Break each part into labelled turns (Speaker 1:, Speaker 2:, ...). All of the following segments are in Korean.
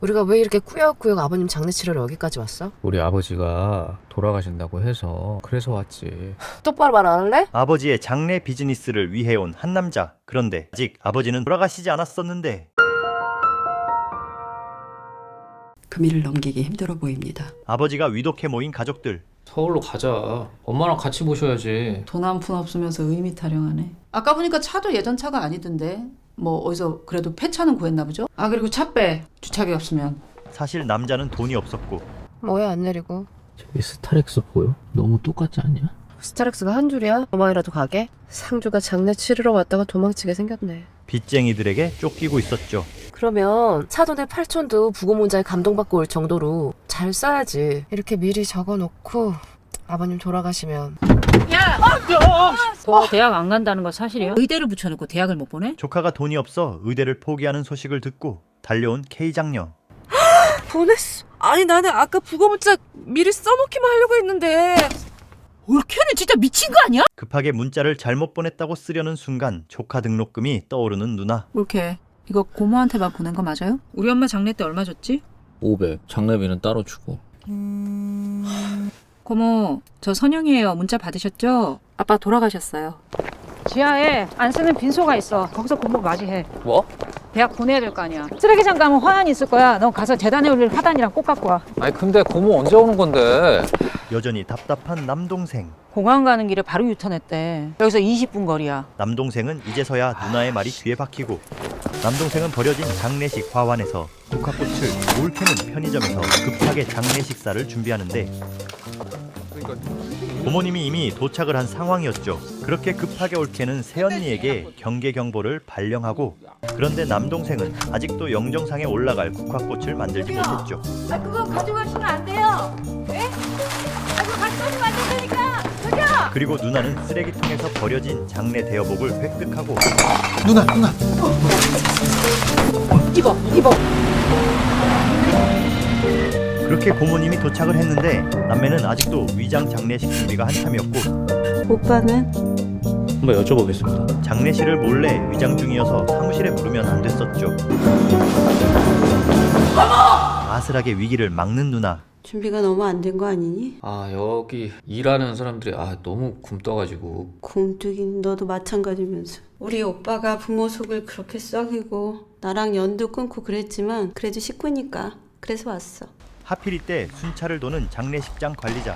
Speaker 1: 우리가 왜 이렇게 꾸역꾸역 아버님 장례 치러러 여기까지 왔어?
Speaker 2: 우리 아버지가 돌아가신다고 해서 그래서 왔지.
Speaker 1: 똑바로 말 안 할래?
Speaker 3: 아버지의 장례 비즈니스를 위해 온 한 남자. 그런데 아직 아버지는 돌아가시지 않았었는데
Speaker 4: 금일을 넘기기 힘들어 보입니다.
Speaker 3: 아버지가 위독해 모인 가족들.
Speaker 2: 서울로 가자. 엄마랑 같이 모셔야지.
Speaker 4: 돈 한 푼 없으면서 의미 타령하네. 아까 보니까 차도 예전 차가 아니던데. 뭐 어디서 그래도 폐차는 구했나 보죠? 아 그리고 차 빼. 주차기 없으면.
Speaker 3: 사실 남자는 돈이 없었고
Speaker 1: 뭐야 안 내리고.
Speaker 2: 저기 스타렉스 보여? 너무 똑같지 않냐?
Speaker 1: 스타렉스가 한 줄이야? 어머니라도 가게? 상주가 장례 치르러 왔다가 도망치게 생겼네.
Speaker 3: 빚쟁이들에게 쫓기고 있었죠.
Speaker 1: 그러면 사돈의 8촌도 부고문자에 감동받고 올 정도로 잘 써야지. 이렇게 미리 적어놓고 아버님 돌아가시면
Speaker 5: 너 대학 안 간다는 거 사실이야? 의대를 붙여놓고 대학을 못 보내?
Speaker 3: 조카가 돈이 없어 의대를 포기하는 소식을 듣고 달려온 K장녀.
Speaker 1: 보냈어. 아니 나는 아까 부고문자 미리 써놓기만 하려고 했는데.
Speaker 5: 올케는 진짜 미친 거 아니야?
Speaker 3: 급하게 문자를 잘못 보냈다고 쓰려는 순간 조카 등록금이 떠오르는 누나.
Speaker 4: 올케 이거 고모한테만 보낸 거 맞아요?
Speaker 5: 우리 엄마 장례 때 얼마 줬지?
Speaker 2: 500. 장례비는 따로 주고.
Speaker 5: 고모, 저 선영이에요. 문자 받으셨죠?
Speaker 4: 아빠 돌아가셨어요.
Speaker 5: 지하에 안 쓰는 빈소가 있어. 거기서 고모 맞이해.
Speaker 2: 뭐?
Speaker 5: 대학 보내야 될 거 아니야. 쓰레기장 가면 화환이 있을 거야. 너 가서 재단에 올릴 화단이랑 꼭 갖고 와.
Speaker 2: 아니 근데 고모 언제 오는 건데?
Speaker 3: 여전히 답답한 남동생.
Speaker 5: 공항 가는 길에 바로 유턴했대. 여기서 20분 거리야.
Speaker 3: 남동생은 이제서야 누나의 말이 귀에 박히고 남동생은 버려진 장례식 화환에서 국화꽃을 올케는 편의점에서 급하게 장례식사를 준비하는데 부모님이 이미 도착을 한 상황이었죠. 그렇게 급하게 올케는 새언니에게 경계 경보를 발령하고 그런데 남동생은 아직도 영정상에 올라갈 국화꽃을 만들지 못했죠.
Speaker 5: 아, 그거 가져가시면 안 돼요. 네? 아, 그거 가져가시면 안 된다니까. 저기요.
Speaker 3: 그리고 누나는 쓰레기통에서 버려진 장례 대여복을 획득하고
Speaker 2: 누나.
Speaker 5: 입어.
Speaker 3: 그렇게 고모님이 도착을 했는데 남매는 아직도 위장 장례식 준비가 한참이었고
Speaker 4: 오빠는?
Speaker 2: 한번 여쭤보겠습니다.
Speaker 3: 장례실을 몰래 위장 중이어서 사무실에 부르면 안 됐었죠. 아슬하게 위기를 막는 누나.
Speaker 6: 준비가 너무 안 된 거 아니니?
Speaker 2: 아 여기 일하는 사람들이 너무 굶떠가지고.
Speaker 6: 굼뜨긴 너도 마찬가지면서. 우리 오빠가 부모 속을 그렇게 썩이고 나랑 연도 끊고 그랬지만 그래도 식구니까 그래서 왔어.
Speaker 3: 하필 이때 순찰을 도는 장례식장 관리자.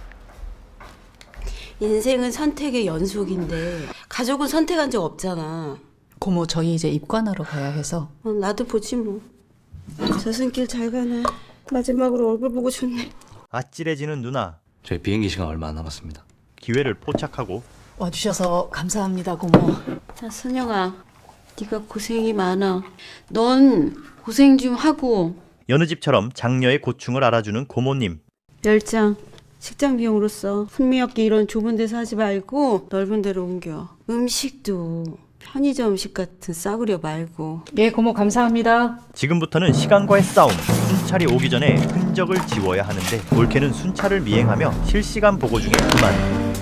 Speaker 6: 인생은 선택의 연속인데 가족은 선택한 적 없잖아.
Speaker 4: 고모 저희 이제 입관하러 가야 해서.
Speaker 6: 나도 보지 뭐. 저승길 잘 가네. 마지막으로 얼굴 보고 좋네.
Speaker 3: 아찔해지는 누나.
Speaker 7: 저희 비행기 시간 얼마 안 남았습니다.
Speaker 3: 기회를 포착하고
Speaker 4: 와주셔서 감사합니다 고모.
Speaker 6: 자 선영아, 네가 고생이 많아. 넌 고생 좀 하고.
Speaker 3: 여느 집처럼 장녀의 고충을 알아주는 고모님.
Speaker 6: 열장 식장 비용으로 써. 풍미없게 이런 좁은 데서 하지 말고 넓은 데로 옮겨. 음식도 편의점 음식 같은 싸구려 말고.
Speaker 5: 예, 고모 감사합니다.
Speaker 3: 지금부터는 시간과의 싸움. 순찰이 오기 전에 흔적을 지워야 하는데 올케는 순찰을 미행하며 실시간 보고 중에 그만.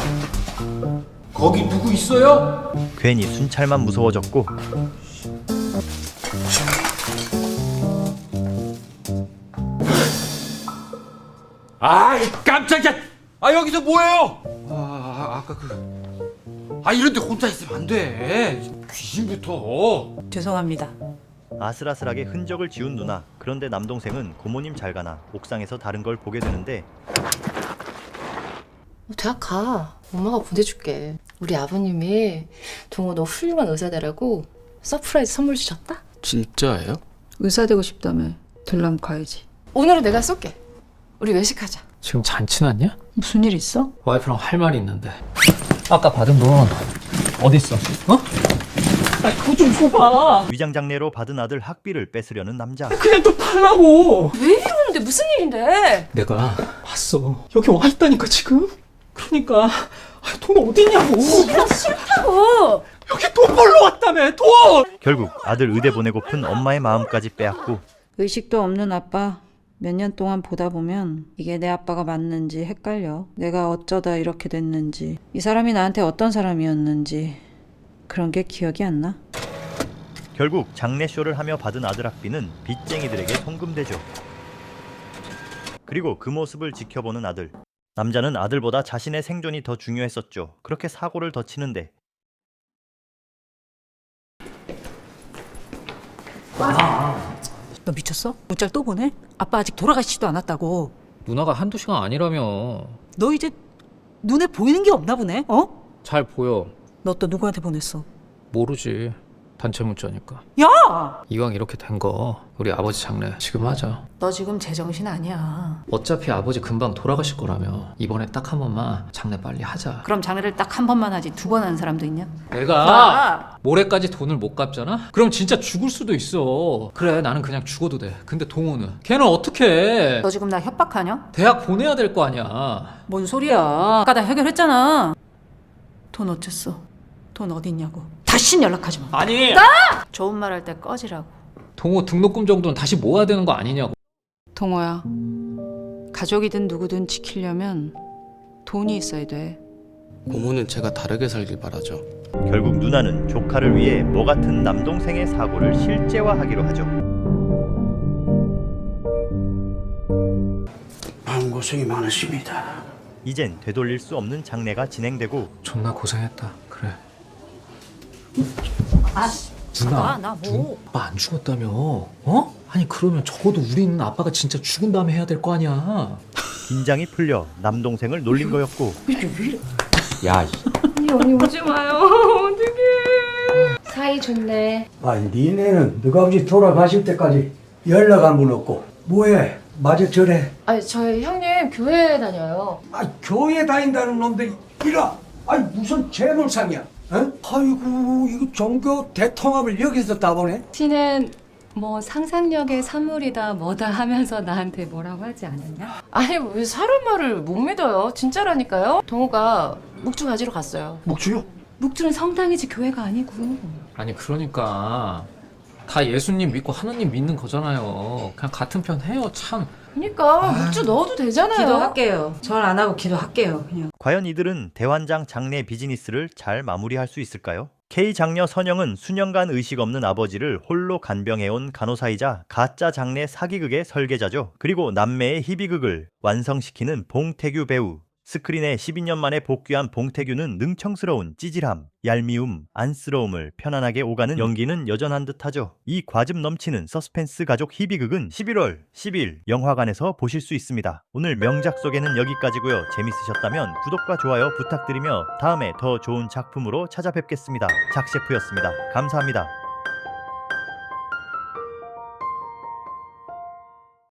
Speaker 8: 거기 누구 있어요?
Speaker 3: 괜히 순찰만 무서워졌고
Speaker 8: 아이 깜짝이야! 여기서 뭐해요? 아까 이런데 혼자 있으면 안 돼. 귀신부터.
Speaker 4: 죄송합니다.
Speaker 3: 아슬아슬하게 흔적을 지운 누나. 그런데 남동생은 고모님 잘 가나 옥상에서 다른 걸 보게 되는데
Speaker 1: 대학 가. 엄마가 보내줄게. 우리 아버님이 동호 너 훌륭한 의사 되라고 서프라이즈 선물 주셨다.
Speaker 7: 진짜예요?
Speaker 4: 의사 되고 싶다며. 들람 가야지.
Speaker 1: 오늘은 내가 쏠게. 우리 외식하자.
Speaker 2: 지금 잔치 났냐?
Speaker 4: 무슨 일 있어?
Speaker 2: 와이프랑 할 말이 있는데. 아까 받은 돈 어디 있어? 어?
Speaker 5: 그거 좀 줘봐.
Speaker 3: 위장 장례로 받은 아들 학비를 뺏으려는 남자.
Speaker 5: 그냥 또 팔라고.
Speaker 1: 왜 이러는데 무슨 일인데?
Speaker 2: 내가 봤어. 여기 와 있다니까 지금. 그러니까 돈 어디냐고.
Speaker 1: 싫다고.
Speaker 5: 여기 돈 벌러 왔다며 돈.
Speaker 3: 결국 아들 의대 보내고픈 엄마의 마음까지 빼앗고
Speaker 6: 의식도 없는 아빠. 몇 년 동안 보다 보면 이게 내 아빠가 맞는지 헷갈려. 내가 어쩌다 이렇게 됐는지, 이 사람이 나한테 어떤 사람이었는지 그런 게 기억이 안 나.
Speaker 3: 결국 장례쇼를 하며 받은 아들 학비는 빚쟁이들에게 송금되죠. 그리고 그 모습을 지켜보는 아들. 남자는 아들보다 자신의 생존이 더 중요했었죠. 그렇게 사고를 더 치는데
Speaker 4: 너 미쳤어? 문자를 또 보내? 아빠 아직 돌아가시지도 않았다고.
Speaker 9: 누나가 한두 시간 아니라며.
Speaker 4: 너 이제 눈에 보이는 게 없나 보네? 어?
Speaker 9: 잘 보여.
Speaker 4: 너 또 누구한테 보냈어?
Speaker 9: 모르지. 단체 문자니까.
Speaker 4: 야!
Speaker 9: 이왕 이렇게 된 거 우리 아버지 장례 지금 하자.
Speaker 4: 너 지금 제정신 아니야.
Speaker 9: 어차피 아버지 금방 돌아가실 거라며. 이번에 딱 한 번만 장례 빨리 하자.
Speaker 4: 그럼 장례를 딱 한 번만 하지 2번 하는 사람도 있냐?
Speaker 9: 내가 모레까지 돈을 못 갚잖아? 그럼 진짜 죽을 수도 있어. 그래, 나는 그냥 죽어도 돼. 근데 동호는? 걔는 어떻게 해?
Speaker 4: 너 지금 나 협박하냐?
Speaker 9: 대학 보내야 될 거 아니야.
Speaker 4: 뭔 소리야. 아까 다 해결했잖아. 돈 어쨌어? 돈 어디 있냐고. 다신 연락하지 마.
Speaker 9: 아니!
Speaker 4: 좋은 말 할 때 꺼지라고.
Speaker 9: 동호 등록금 정도는 다시 모아야 되는 거 아니냐고.
Speaker 4: 동호야, 가족이든 누구든 지키려면 돈이 있어야 돼.
Speaker 7: 고모는 제가 다르게 살길 바라죠.
Speaker 3: 결국 누나는 조카를 위해 뭐 같은 남동생의 사고를 실제화하기로 하죠.
Speaker 10: 마음고생이 많으십니다.
Speaker 3: 이젠 되돌릴 수 없는 장례가 진행되고
Speaker 9: 존나 고생했다. 그래.
Speaker 4: 나 뭐.
Speaker 9: 아빠 안 죽었다며. 어? 아니 그러면 적어도 우리는 아빠가 진짜 죽은 다음에 해야 될 거 아니야.
Speaker 3: 긴장이 풀려 남동생을 놀린 거였고
Speaker 8: 야,
Speaker 1: 언니 오지 마요. 어떡해. 사이 좋네.
Speaker 10: 아니 니네는 너가 아버지 돌아가실 때까지 연락 한 번 없고 뭐해? 마저 저래.
Speaker 1: 아니 저희 형님 교회 다녀요.
Speaker 10: 아 교회 다닌다는 놈들 이라. 아니 무슨 재물상이야? 어? 아이고 이거 종교 대통합을 여기서 따보네.
Speaker 5: 티는 뭐 상상력의 산물이다 뭐다 하면서 나한테 뭐라고 하지 않았냐?
Speaker 1: 아니 왜 사람 말을 못 믿어요. 진짜라니까요. 동호가 묵주 가지러 갔어요.
Speaker 10: 목주요?
Speaker 5: 묵주는 성당이지 교회가 아니고.
Speaker 9: 아니 그러니까 다 예수님 믿고 하나님 믿는 거잖아요. 그냥 같은 편 해요. 참.
Speaker 1: 그러니까 묵주 넣어도 되잖아요.
Speaker 6: 기도할게요. 절 안 하고 기도할게요. 그냥.
Speaker 3: 과연 이들은 대환장 장례 비즈니스를 잘 마무리할 수 있을까요? K 장녀 선영은 수년간 의식 없는 아버지를 홀로 간병해온 간호사이자 가짜 장례 사기극의 설계자죠. 그리고 남매의 희비극을 완성시키는 봉태규 배우. 스크린에 12년 만에 복귀한 봉태규는 능청스러운 찌질함, 얄미움, 안쓰러움을 편안하게 오가는 연기는 여전한 듯하죠. 이 과즙 넘치는 서스펜스 가족 희비극은 11월 10일 영화관에서 보실 수 있습니다. 오늘 명작 소개는 여기까지고요. 재밌으셨다면 구독과 좋아요 부탁드리며 다음에 더 좋은 작품으로 찾아뵙겠습니다. 작셰프였습니다. 감사합니다.